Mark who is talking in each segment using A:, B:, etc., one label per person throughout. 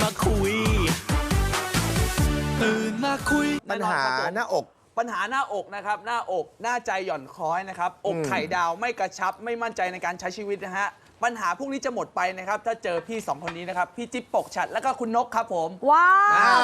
A: มาคุย
B: ปัญหาหน้าอก
C: ปัญหาหน้าอกนะครับหน้าอกหน้าใจหย่อนคล้อยนะครับอกไข่ดาวไม่กระชับไม่มั่นใจในการใช้ชีวิตนะฮะปัญหาพวกนี้จะหมดไปนะครับถ้าเจอพี่2คนนี้นะครับพี่จิ๊บปกฉัดแล้วก็คุณนกครับผม
D: ว้าว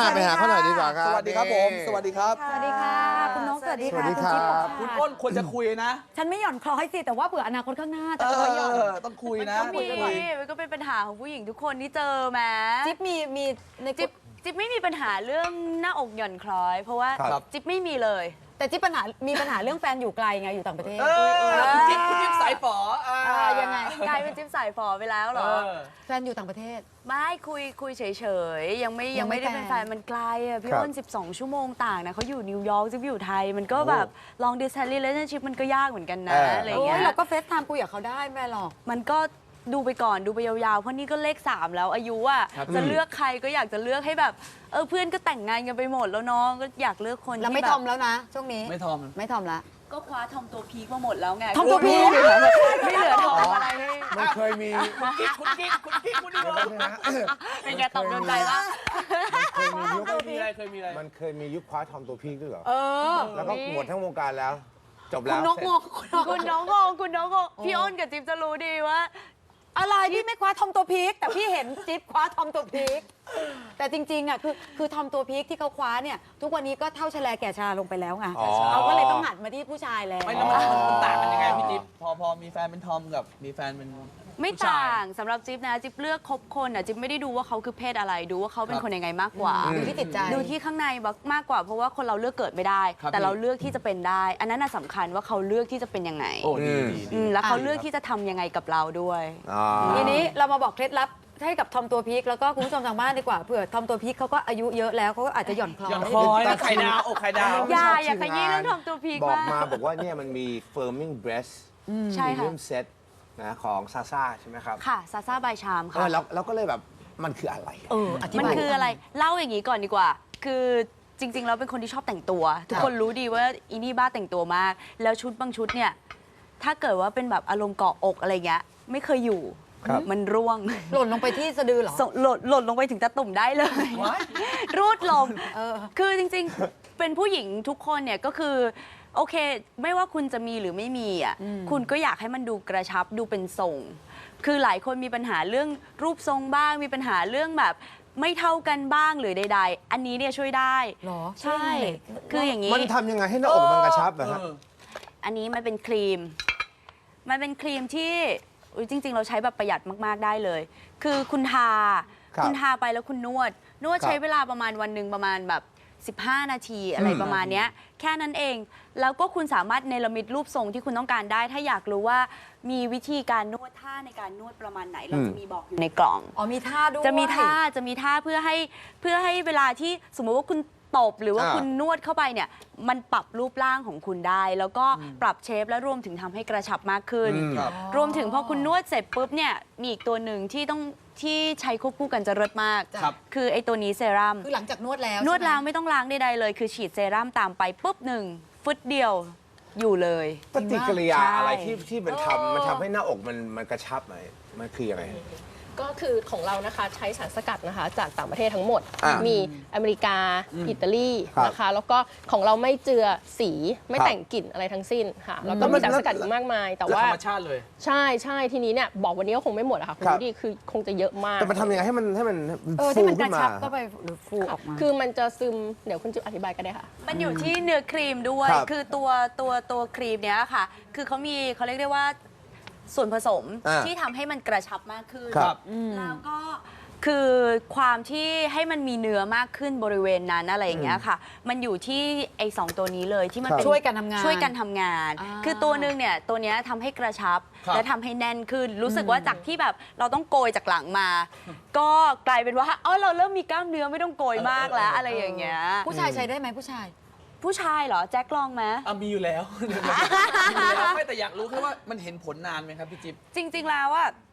B: ไปหาเขาหน่อยดีกว่าครับ
C: สวัสดีครับผมสวัสดีครับ
D: สวัสดีค่ะคุณนกสวัสดีค่ะ
B: สวัสดีครับ
C: คุณอ้นควรจะคุยนะ
D: ฉันไม่หย่อนคล้อยสิแต่ว่าเผื่ออนาคตข้างหน้าแต่ตัวหย่อน
C: ต้องคุยนะ
E: มันก็มีมันก็เป็นปัญหาของผู้หญิงทุกคนที่เจอแม้
D: จิ๊บมีใน
E: จิ๊บไม่มีปัญหาเรื่องหน้าอกหย่อนคล้อย เพราะว่า
C: ครับ
E: จิ๊บไม่มีเลย
D: แต่จิ๊บมีปัญหาเรื่องแฟนอยู่ไกลไงอยู่ต่างประเทศ
C: คุณจิ๊บสายฝอ
D: ยังไง
E: กลายเป็นจิ๊บสายฝอไปแล้วเหรอ
D: แฟนอยู่ต่างประเทศ
E: ไม่คุยเฉยๆยังไม่
D: ยังไม่
E: ได้เป็น
D: แฟ
E: แฟ
D: น
E: นมันไกลอ่ะพี่
B: ครับ
E: อ้น12 ชั่วโมงต่างนะเขาอยู่นิวยอร์กจิ๊บอยู่ไทย มันก็แบบ long distance relationship มันก็ยากเหมือนกันนะอะไรอย่าง
D: โอ้
E: เงี้
D: ย
E: ย
D: เราก็เฟซไทม์คุยกับเขาได้แม่หรอก
E: มันก็ดูไปก่อนดูไปยาวๆ เพราะนี่ก็เลข 3 แล้วอายุอ่ะจะเลือกใครก็อยากจะเลือกให้แบบเพื่อนก็แต่งงานกันไปหมดแล้วน้องก็อยากเลือกคน
D: แล้ว
E: ที่
D: ไม่
E: แบ
D: ทอบ มแล้วนะช่วงนี้
C: ไม่ทอม
D: ไม่ทอมละ
E: ก็คว้าทอมตัวพีคมาหมดแล้วไง
D: ทอมตัวพีค
E: ไม่เหลือทอมอะไรให้
B: มันเคยมี
C: คุณกิ๊กคุณนี่
E: เป็นไงตอบโดนใจปะ
B: เคยมียุค
C: เคยมีอะไร
B: มันเคยมียุคคว้าทอมตัวพีคด้วยเหรอ
D: เออ
B: แล้วก็หมดทั้งวงการแล้ว จบ
D: คุ
B: แล้
D: ณ
B: วน
D: กงง
E: คุณน้องงงพี่อ้นกับจิ๊บจะรู้ดีว่า
D: อะไรพี่ไม่คว้าทอมตัวพีคแต่พี่เห็นจิ๊บคว้าทอมตัวพีคแต่จริงๆอ่ะคือทอมตัวพีคที่เขาคว้าเนี่ยทุกวันนี้ก็เท่าชะแลแก่ชราลงไปแล้วไง
B: อ๋อ
D: เขาก็เลยต้องหันมาที่ผู้ชายแล้ว
C: ไม่แล้วมันต่างกันยังไงพี่จิ๊บพอมีแฟนเป็นทอมกับมีแฟนเป็น
E: ไม่
C: ผู้ชย
E: ต่างสำหรับจิ๊บนะจิ๊บเลือกคบคนอ่ะจิ๊บไม่ได้ดูว่าเขาคือเพศอะไรดูว่าเขาเป็นคนยังไงมากกว่า
D: ดูที่จิตใจ
E: ดูที่ข้างในมากกว่าเพราะว่าคนเราเลือกเกิดไม่ได้
C: ครับ
E: แต่เราเลือกที่จะเป็นได้ อันนั้นน่ะสำคัญว่าเขาเลือกที่จะเป็นยังไง
C: โอ้ดี
E: แล้วเขาเลือกที่จะทำยังไงกับเราด้วย
B: อ๋อ
D: ทีนี้เรามาบอกเคล็ดลับให้กับทอมตัวพีคแล้วก็คุณผู้ชมทางบ้านดีกว่าเผื่อทอมตัวพีคเขาก็อายุเยอะแล้วเขาก็อาจจะหย่อนคล้อ
C: หย่อน
D: ย
C: คล้อยนะไข่ดาวอกไข่ดาว
E: อย่าขยี้เรื่องทำตัวพีค
B: บอก
E: มาก
B: มาบอกว่าเนี่ยมันมี firming breast
E: ใช่ค่ะ
B: premium set นะของซาซ่าใช่ไหมครับ
E: ค่ะซาซาบายชามค่ะ
B: แล้วก็เลยแบบมันคืออะไร
D: อธิ
E: มัน
D: บาย
E: คืออะไรเล่าอย่างนี้ก่อนดีกว่า คือจริงๆแล้วเป็นคนที่ชอบแต่งตัว ทุกคนรู้ดีว่าอีนี่บ้าแต่งตัวมาก แล้วชุดบางชุดเนี่ยถ้าเกิดว่าเป็นแบบอารมณ์เกาะอกอะไรเงี้ยไม่เคยอยู่
B: ครับ
E: มันร่วง
D: หล่นลงไปที่สะดือเหรอ
E: ส่งหล่นลงไปถึงตะตุ่มได้เลย รูดลม
D: เออ
E: คือจริงๆ เป็นผู้หญิงทุกคนเนี่ยก็คือโอเค ไม่ว่าคุณจะมีหรือไม่มีอ่ะคุณก็อยากให้มันดูกระชับดูเป็นทรง คือหลายคนมีปัญหาเรื่องรูปทรงบ้าง มีปัญหาเรื่องแบบไม่เท่ากันบ้างหรือใดๆ อันนี้เนี่ยช่วยได้
D: หรอ
E: ใช่ คืออย่างนี้
B: มันทำยังไงให้หน้าอกมันกระชับอะฮะ
E: อันนี้มันเป็นครีม มันเป็นครีมที่อุ๊ยจริง ๆ เราใช้แบบประหยัดมาก ๆ ได้เลย คือคุณทา
B: ครับ
E: คุณทาไปแล้วคุณนวด
B: ครับ
E: ใช้เวลาประมาณวันหนึ่งประมาณแบบ15 นาทีอะไรประมาณเนี้ยแค่นั้นเอง แล้วก็คุณสามารถเนรมิตรูปทรงที่คุณต้องการได้ ถ้าอยากรู้ว่ามีวิธีการนวดท่าในการนวดประมาณไหน เราจะมีบอกอยู่ในกล่อง
D: อ๋อมีท่าด้วย
E: จะมีท่าเพื่อให้เวลาที่สมมุติว่าคุณตบหรือว่า
B: อ่า
E: คุณนวดเข้าไปเนี่ยมันปรับรูปร่างของคุณได้ แล้วก็ปรับเชฟและรวมถึงทำให้กระชับมากขึ้น
C: ครับ
E: รวมถึงพอคุณนวดเสร็จปุ๊บเนี่ยมีอีกตัวหนึ่งที่ใช้ควบคู่กันจะเลิศมาก
C: ครับ
E: คือไอ้ตัวนี้เซรั่ม
D: คือหลังจากนวดแล้ว
E: นวด
D: ใช่ไหม
E: ล้างไม่ต้องล้างใดๆเลย คือฉีดเซรั่มตามไปปุ๊บหนึ่งฟึดเดียวอยู่เลย
B: ปฏิกิริยา
E: ใช่
B: อะไรที่มันทำให้หน้าอกมันกระชับไหมมันคือยังไง
F: ก็คือของเรานะคะใช้สารสกัดนะคะจากต่างประเทศทั้งหมด
B: อ่ามี
F: มีอเมริกา อิตาลี
B: ครับ
F: นะคะ แล้วก็ของเราไม่เจือสีไม่
B: ครับ
F: แต่งกลิ่นอะไรทั้งสิ้นค่ะ แล้วก็
B: แล้วมั
F: มี
B: น
F: สารสกัดอีกมากมาย แต่
C: ธ
F: ว่า
C: รรมชาติเลย
F: ใช่ทีนี้เนี่ยบอกวันนี้ก็คงไม่หมดอะค่ะคุณ
B: ครับ
F: ดูดิคือคงจะเยอะมาก
B: แต่มันทำยังไงให้มัน
D: ที่
B: ฟู
D: มันก
B: ขึ้
D: ระ
B: นมา
D: ชับก็ไปหรือฟูออกมา
F: คือมันจะซึมเดี๋ยวคุณจิ๊บอธิบายก็ได้ค่ะ
E: มันอยู่ที่เนื้อครีมด้วย
B: ครับ
E: คือตัวครีมเนี้ยค่ะ คือเขาเรียกได้ว่าส่วนผสม
B: อ่า
E: ที่ทำให้มันกระชับมากขึ้น
B: ครับ
E: แล้วก็คือความที่ให้มันมีเนื้อมากขึ้นบริเวณนั้นอะไรอย่างเงี้ยค่ะ มันอยู่ที่ไอ้2ตัวนี้เลยที่มัน
B: ครับ
E: เป็น
D: ช่วยกันทำงาน
E: ช่วยกันทำงาน
D: อ่า
E: คือตัวหนึ่งเนี่ยตัวเนี้ยทำให้กระชับ
C: ครับ
E: และทำให้แน่นขึ้น รู้สึกว่าจากที่แบบเราต้องโกยจากหลังมา ก็กลายเป็นว่าเราเริ่มมีกล้ามเนื้อไม่ต้องโกยมากแล้วอะไรอย่างเงี้ย
D: ผู้ชายใช้ได้ไหมผู้ชาย
E: ผู้ชายเหรอแจ็คลองไหม
C: มีอยู่แล้วมีอยู่แล้วไม่แต่อยากรู้แค่ว่ามันเห็นผลนานไหมครับพี่จิ๊บ
E: จริง ๆ แล้วอะ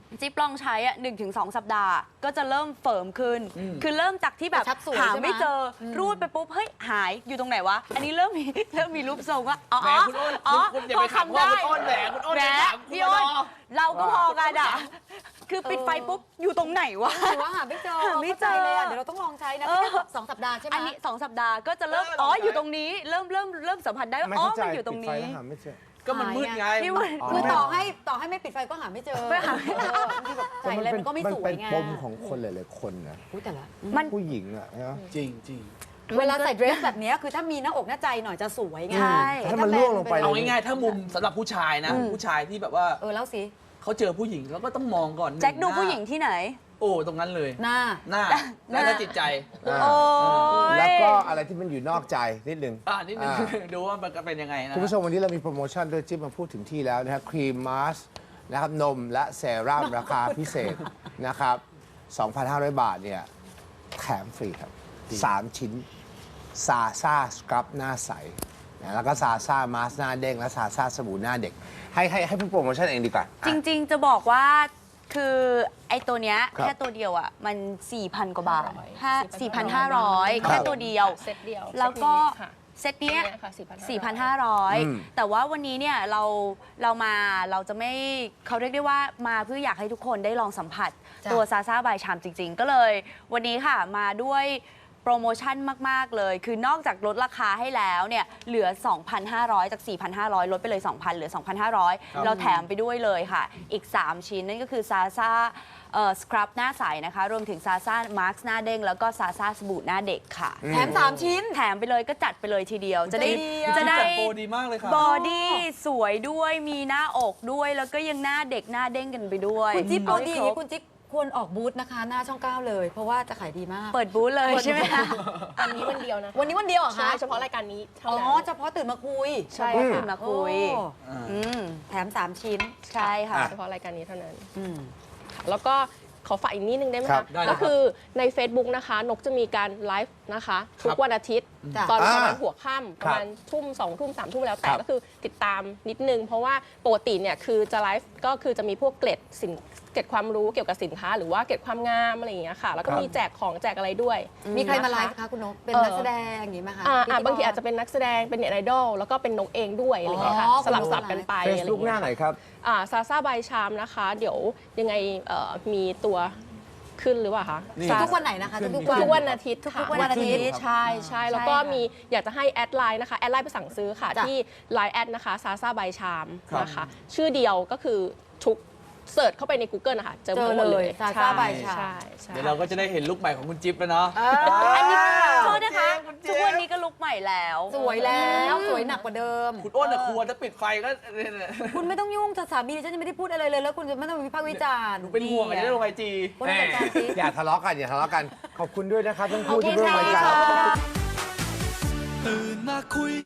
E: จิ๊บลองใช้อ่ะ1-2 สัปดาห์ ก็จะเริ่มเฟิร์มขึ้น คือเริ่มจากที่แบบ
D: กระชับสวย
E: หา
D: ใช่ไหม
E: ไม่เจออรูดไปปุ๊บเฮ้ยหายอยู่ตรงไหนวะ อันนี้เริ่มมีรูปทรงว่าอ๋อ
C: แหมคุณอ้น
E: อ๋อ
C: คุณอย่า
E: พ
C: ไป
E: อ
C: ขับ
E: ทำ
C: พ่อ
E: ได้
C: คุณอ้นแหมคุณอ้น
E: แหม
C: อย่าถาม
E: พี่อ้น
C: คุณอ้น
E: เราก็พอกันอ่ะคือปิดไฟปุ๊บอยู่ตรงไหนวะ
D: หรือว่าหาไม่เจอ
E: หาไม่เจอ
D: ข้าใจเลยอ่ะเดี๋ยวเราต้องลองใช้นะ
E: เออ
D: ไม่ใช่2 สัปดาห์ใช่ไหม
E: อันนี้2 สัปดาห์ก็จะเริ่มอ๋ออยู่ตรงนี้เริ่มสัมผัสได้ว่า
B: ไม่
E: อ๋อ
B: เข้าใจ
E: มันอยู่ตรง
B: ปิดไฟ
E: นี้
B: แล้วหาไม่เจอ
C: ก็มันมืดไง
E: พี่อ้วน
D: คือต่อให้ไม่ปิดไฟก็หาไม่เจอ
E: ไม่หาไม่เจอ
D: บางทีแบบใส่อะไรมันก็ไม่สวยไง
B: เป็นปมของคนหลายๆคนนะ
D: อุ๊ยแต่ละ
E: มัน
B: ผู้หญิงอ่ะนะ
C: จริงจริง
D: เวลาใส่เดรสแบบเนี้ยคือถ้ามีหน้าอกหน้าใจหน่อยจะสวยไง
E: ใช่
B: ถ้ามันล่วงลงไป
C: เอาง่ายๆถ้ามุมสำหรับผู้ชายนะ ผู้ชายที่แบบว่า
D: แล้วสิ
C: เขาเจอผู้หญิงแล้วก็ต้องมองก่อน
E: แจ็คดู
C: น้า
E: ผู้หญิงที่ไหน
C: โอ้ตรงนั้นเลย
D: หน้า
C: หน้าและจิตใจ
E: โอ้ย
B: แล้วก็อะไรที่มันอยู่นอกใจนิดนึง
C: นิดนึงดูว่ามันเป็นยังไงนะ
B: คุณผู้ชมวันนี้เรามีโปรโมชั่นด้วยจิ๊บมาพูดถึงที่แล้วนะครับครีมมาสนะครับนมและเซรั่มราคาพิเศษนะครับ 2,500 บาทเนี่ยแถมฟรีครับ 3 ชิ้นซาซ่าสครับหน้าใสนะแล้วก็ซาซ่ามาสหน้าเด้งและซาซ่าสบู่หน้าเด็ก ให้พูดโปรโมชั่นเองดีกว่า
E: จริงๆ จะบอกว่าคือไอ้ตัวเนี้ย
B: ครับ
E: แค่ตัวเดียวอ่ะมัน 4,000 กว่าบาท
F: 4,500
E: 4,500 แค่ตัวเดียว
F: เซตเดียว
E: แล้วก็
F: ค่ะ
E: เซตเนี้ย
F: ค่ะ
E: 4,500 แต่ว่าวันนี้เนี่ยเราจะไม่เขาเรียกได้ว่ามาเพื่ออยากให้ทุกคนได้ลองสัมผัส
D: จ้ะ
E: ตัวซาซ่าบายชามจริง ๆ ก็เลย วันนี้ค่ะมาด้วยโปรโมชั่นมาก ๆ เลย คือนอกจากลดราคาให้แล้วเนี่ยเหลือ 2,500 จาก 4,500 ลดไปเลย 2,000 เหลือ 2,500 เราแถมไปด้วยเลยค่ะ อีก 3 ชิ้นนั่นก็คือซาซ่าสครับหน้าใสนะคะ รวมถึงซาซ่ามาร์คหน้าเด้งแล้วก็ซาซ่าสบู่หน้าเด็กค่ะ
D: แถม3 ชิ้น
E: แถมไปเลยก็จัดไปเลยทีเดียว จะได้
D: ใจดีอะ
E: จะได้
C: จัดโปรดีมากเลยครับ
E: บอดี้สวยด้วยมีหน้าอกด้วย แล้วก็ยังหน้าเด็กหน้าเด้งกันไปด้วย
D: คุณจิ๊บ
E: เอา
D: โปรดี
E: ให้ครบ
D: คุณจิ๊บควรออกบูธนะคะ หน้าช่อง 9 เลย เพราะว่าจะขายดีมาก
E: เปิดบูธเลยใช่ไหมคะ
F: วันนี้วันเดียวนะ
D: วันนี้วันเดียวเหรอ
F: ใช่
D: คะ
F: เฉพาะรายการนี้เท่า
D: อ๋อ
F: นั้น
D: เฉพาะตื่นมาคุย
F: ใช่
E: ตื่
F: ค่ะ
E: นมาคุย
D: โอ้
E: อืม
D: แถม3 ชิ้น
E: ใช่ค่ะ
B: อ่ะ
F: เฉพาะรายการนี้เท่านั้น
D: อืม
F: แล้วก็ขอฝากอีกนิดนึงได้ไหม
B: ครั
F: คะ
B: บ
C: ได้เลยครั
F: ก็
C: บ
F: คือใน Facebook นะคะ นกจะมีการไลฟ์นะคะ ทุกวันอาทิตย์
D: จ้ะ
F: ตอนประมาณ
B: อ่า
F: หัวค่ำประมาณทุ่ม2 ทุ่ม 3 ทุ่มแล้วแต่
B: ครับ
F: ก็คือติดตามนิดนึง เพราะว่าปกติเนี่ยคือจะไลฟ์ก็คือจะมีพวกเกร็ดความรู้เกี่ยวกับสินค้า หรือว่าเกร็ดความงามอะไรอย่างเงี้ยค่ะ แล้วก็มีแจกของแจกอะไรด้วย
D: มีใครมา
F: นะะ
D: ไลฟ์คะคุณนก เป็นนักแสดงอย่างนี้ไหมคะ
F: อ่า
D: พิธีกร
F: บางทีอาจจะเป็นนักแสดงเป็นเน็ตไอดอลแล้วก็เป็นนกเองด้วยอะไรอย่างเงี้ยค่ะ
D: อ๋อ
F: สลับสับกันไป
B: เฟ
F: อะไร
B: ซ
F: อย่า
B: บุ๊ก
F: ง
B: ห
F: เงี้
B: น้าย ไหนครับ
F: ซาซ่าบายชามนะคะ เดี๋ยวยังไงมีตัวขึ้นหรือเปล่าคะ
C: นี่
D: ทุกวันไหนนะคะ ทุก
F: ทุก
D: ๆ
F: วันอาทิตย์ค่ะ
D: ทุกวันอาทิตย์
F: ใช่ใช่แล้วก็
E: ใช่ค่ะ
F: มีอยากจะให้แอดไลน์นะคะแอดไลน์ไปสั่งซื้อค่ะ
D: จ้ะ
F: ที่ Line แอดนะคะซาซ่าบายชาม
C: ครับ
F: นะคะชื่อเดียวก็คือทุกเสิร์ชเข้าไปใน Google นะคะเจอหมดเลย
D: Zaza by Cham
F: ใช่ใช่
C: เดี๋ยวเราก็จะได้เห็นลุคใหม่ของคุณจิ๊บแล้วเนาะ
E: อันนี้โทษนะคะ ทุกวันนี้ก็ลุกใหม่แล้ว
D: สวยแล้วสวยหนักกว่าเดิม
C: คุณอ้นอะครัวถ้าปิดไฟก็
D: คุณไม่ต้องยุ่งสามีดิฉันจะไม่ได้พูดอะไรเลย แล้วคุณจะไม่ต้องวิพากษ์วิจารณ์
C: หนูเป็นห่วงจะได้ลงไอจี
D: คุณจัดการสิ
B: อย่าทะเลาะกันอย่าทะเลาะกัน ขอบคุณด้วยนะครับทั้ง
D: โอ
B: คู่
D: เค
B: ที่ร่วม
D: ค่ะ
B: รายการ
A: ตื่นมาคุย